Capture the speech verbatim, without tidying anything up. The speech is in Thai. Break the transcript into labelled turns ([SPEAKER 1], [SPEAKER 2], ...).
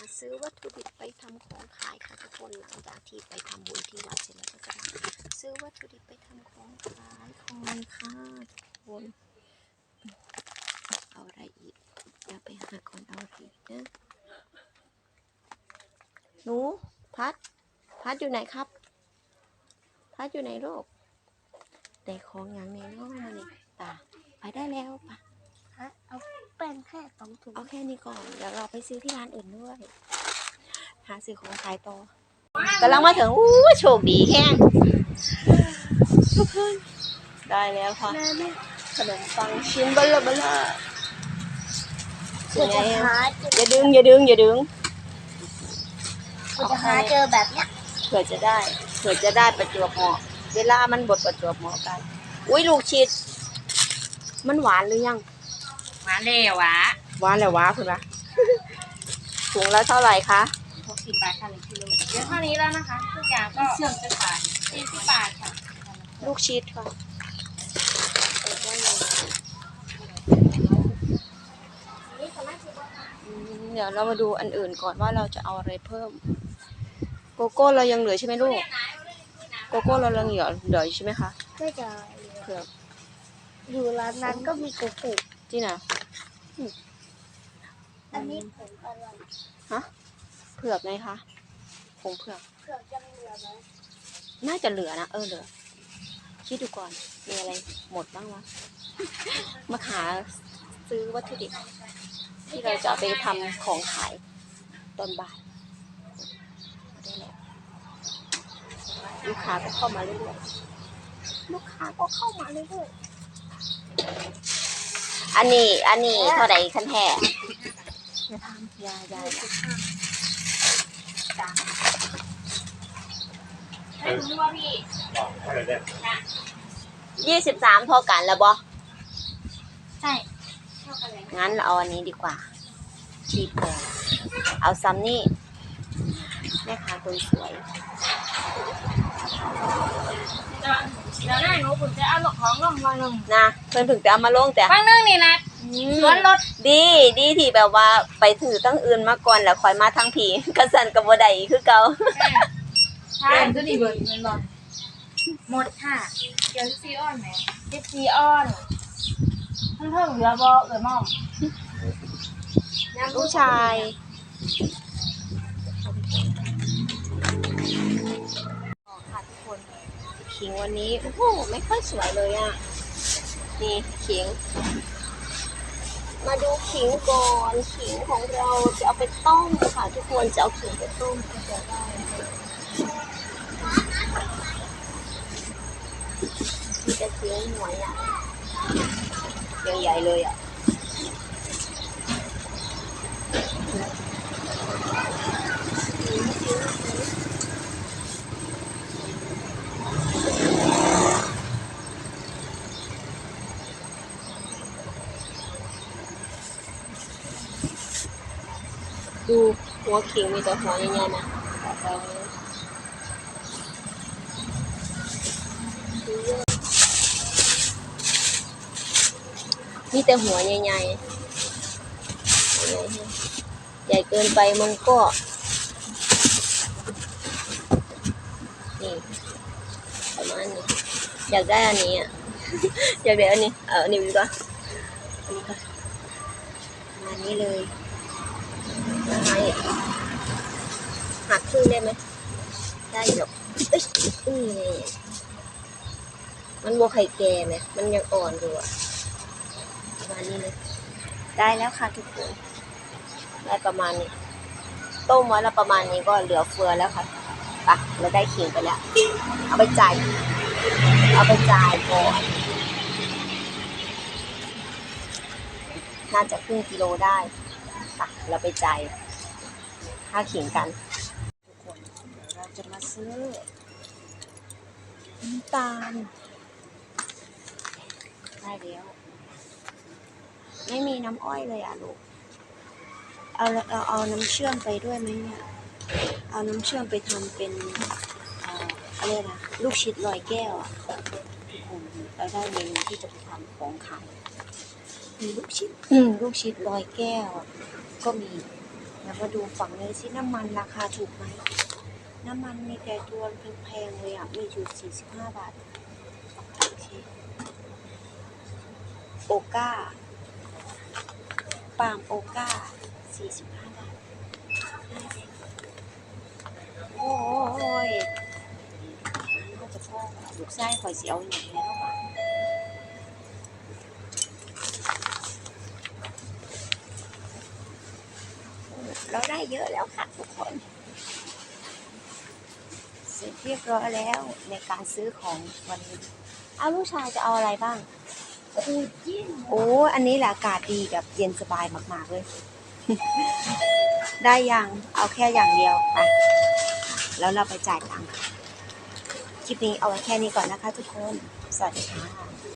[SPEAKER 1] ซื้อวัตถุดิบไปทำของขายค่ะทุกคนหลังจากที่ไปทำบุญที่วัดเสร็จแล้วก็จะมาซื้อวัตถุดิบไปทำของขายของค่ะทุกคนเอาอะไรอีกเดี๋ยวไปหาก่อนเอาอะไรอีกนะหนูพัดพัดอยู่ไหนครับพัดอยู่ไหนลูกแต่ของอย่างในน้องมานี่ตาไปได้แล้วปะ
[SPEAKER 2] เอาเป็นแค่สองถุง
[SPEAKER 1] เอาแค่นี้ก่อนเดี๋ยวเราไปซื้อที่ร้านอื่นด้วยหาซื้อของขายต่อกำลังมาถึงอู้โชคดีแห้งทุกคนได้แล้วค่ะขนมปังชิ้นเบลอเบลอสวยอย่าดึงอย่าดึงอย่าดึง
[SPEAKER 2] กูจะหาเจอแบบเนี้ย
[SPEAKER 1] เผื่อจะได้เผื่อจะได้ประจวบเหมาะเวลามันบดประจวบเหมาะกันอุ้ยลูกชิดมันหวานหรือยัง
[SPEAKER 2] หวานเลยวะ
[SPEAKER 1] หวานแล้ววะคุณปะถุงละเท่าไหร่คะ
[SPEAKER 2] หกสิบบาทค่ะหนึ่งกิโลเดี๋ยวเท่านี้แล้วนะคะทุกอย่างก็เชื่อมจะขายสี่สิบบาทค่ะ
[SPEAKER 1] ลูกชิดค่ะเดี๋ยวเรามาดูอันอื่นก่อนว่าเราจะเอาอะไรเพิ่มโกโก้เรายังเหลือใช่ไหมลูกโกโก้เรายังเหลือเหลือใช่ไหมคะ
[SPEAKER 2] ก็จะ
[SPEAKER 1] เผือก
[SPEAKER 2] อยู่ร้านนั้นก็มีโกโก้
[SPEAKER 1] จริงนะ
[SPEAKER 2] อันนี้ผงอะไร
[SPEAKER 1] ฮะเผือกไงคะผงเผือก
[SPEAKER 2] เผือกยังเหลือไหม
[SPEAKER 1] น่าจะเหลือนะเออเหลือคิดดูก่อนมีอะไรหมดบ้างวะมาหาซื้อวัตถุดิบที่เราจะเอาไปทำของขายตอนบ่ายได้แล้วลูกค้าก็เข้ามาเรื่อยๆลูกค้าก็เข้ามาเรื่อยๆอันนี้อันนี้เท่าไหร่คันแท้อย่าทำอย่าอย่า
[SPEAKER 2] ให้รู้ว่าพี่
[SPEAKER 1] ยี่สิบสามพอกันแล้วบอ
[SPEAKER 2] ใช่
[SPEAKER 1] งั้นเราเอาอันนี้ดีกว่าชีพอเอาซัมนี่แม่ค้าคนสวย
[SPEAKER 2] เดี๋ยวหน้าหนูผมจะเอาหลอกของลงมาลง
[SPEAKER 1] นะเพิ่นถึงจะเอามาลงแต่
[SPEAKER 2] บางเรื่องนี่นะสวนรถ
[SPEAKER 1] ดีดีที่แบบว่าไปถือตั้งอื่นมาก่อนแล้วคอยมาทั้งผีกระสันกับบัวใดคือเก่า
[SPEAKER 2] ใช่ก็ดีเบิร์ดเงินบอลหมดค่ะเดี๋ยวซีออนไหมเจ็ดซีออนเพิ่งเพิ่งเหลือบอเออมอม
[SPEAKER 1] ลูกชายค่ะทุกคนขิงวันนี้โอ้โหไม่ค่อยสวยเลยอ่ะนี่ขิงมาดูขิงก่อนขิงของเราจะเอาไปต้มค่ะทุกคนจะเอาขิงไปต้มก็จะได้มีแต่ขิงหัวใหญ่ยังใหญ่เลยอ่ะดูหัวขิงมีแต่หัวใหญ่ๆนะมีแต่หัวใหญ่ๆใหญ่เกินไปมันก็นี่ประมาณนี้อยากได้อันนี้อ่ะอยากได้อันนี้เอาอันนี้ดีกว่าอันนี้ก็ประมาณนี้เลยหักครึ่งได้ไหมได้หรอกเอ้ยอืมมันโบไข่แก่ไหมมันยังอ่อนอยู่อ่ะประมาณนี้เลยได้แล้วค่ะทุกคนได้ประมาณนี้ต้มไว้แล้วประมาณนี้ก็เหลือเฟือแล้วค่ะไปเราได้ขิงไปแล้วเอาไปจ่ายเอาไปจ่ายก่อนน่าจะครึ่งกิโลได้ค่ะเราไปจ่ายค่าขิงกันทุกคนเราจะมาซื้อน้ำตาลได้แล้วไม่มีน้ำอ้อยเลยอ่ะลูกเอาเอาเอาน้ำเชื่อมไปด้วยไหมเนี่ยเอาน้ำเชื่อมไปทำเป็นอะไรนะลูกชิดลอยแก้วอ่ะทุกคนเราได้เมนูที่จะไปทำของขายมีลูกชิดลูกชิดลอยแก้วก็มีนแล้วมาดูฝั่งนี้สิน้ำมันราคาถูกไหมน้ำมันมีแต่ตัวแพงๆเลยอ่ะมีอยู่สี่สิบห้าบาทโอเคโอก้าปาล์มโอก้าสี่สิบห้าบาทโอ้ยก็จะพ่อลูกไส้ข่อยเสียวอย่างนี้แล้วป่ะเราได้เยอะแล้วค่ะทุกคนเสร็จเรียบร้อยแล้วในการซื้อของวันนี้เอาลูกชายจะเอาอะไรบ้าง
[SPEAKER 2] คูจิ้น
[SPEAKER 1] โอ้ อันนี้แหละอากาศดีแบบเย็นสบายมากๆเลย ได้ยัง เอาแค่อย่างเดียวไปแล้วเราไปจ่ายตังค์คลิปนี้เอาไว้แค่นี้ก่อนนะคะทุกคน สวัสดีค่ะ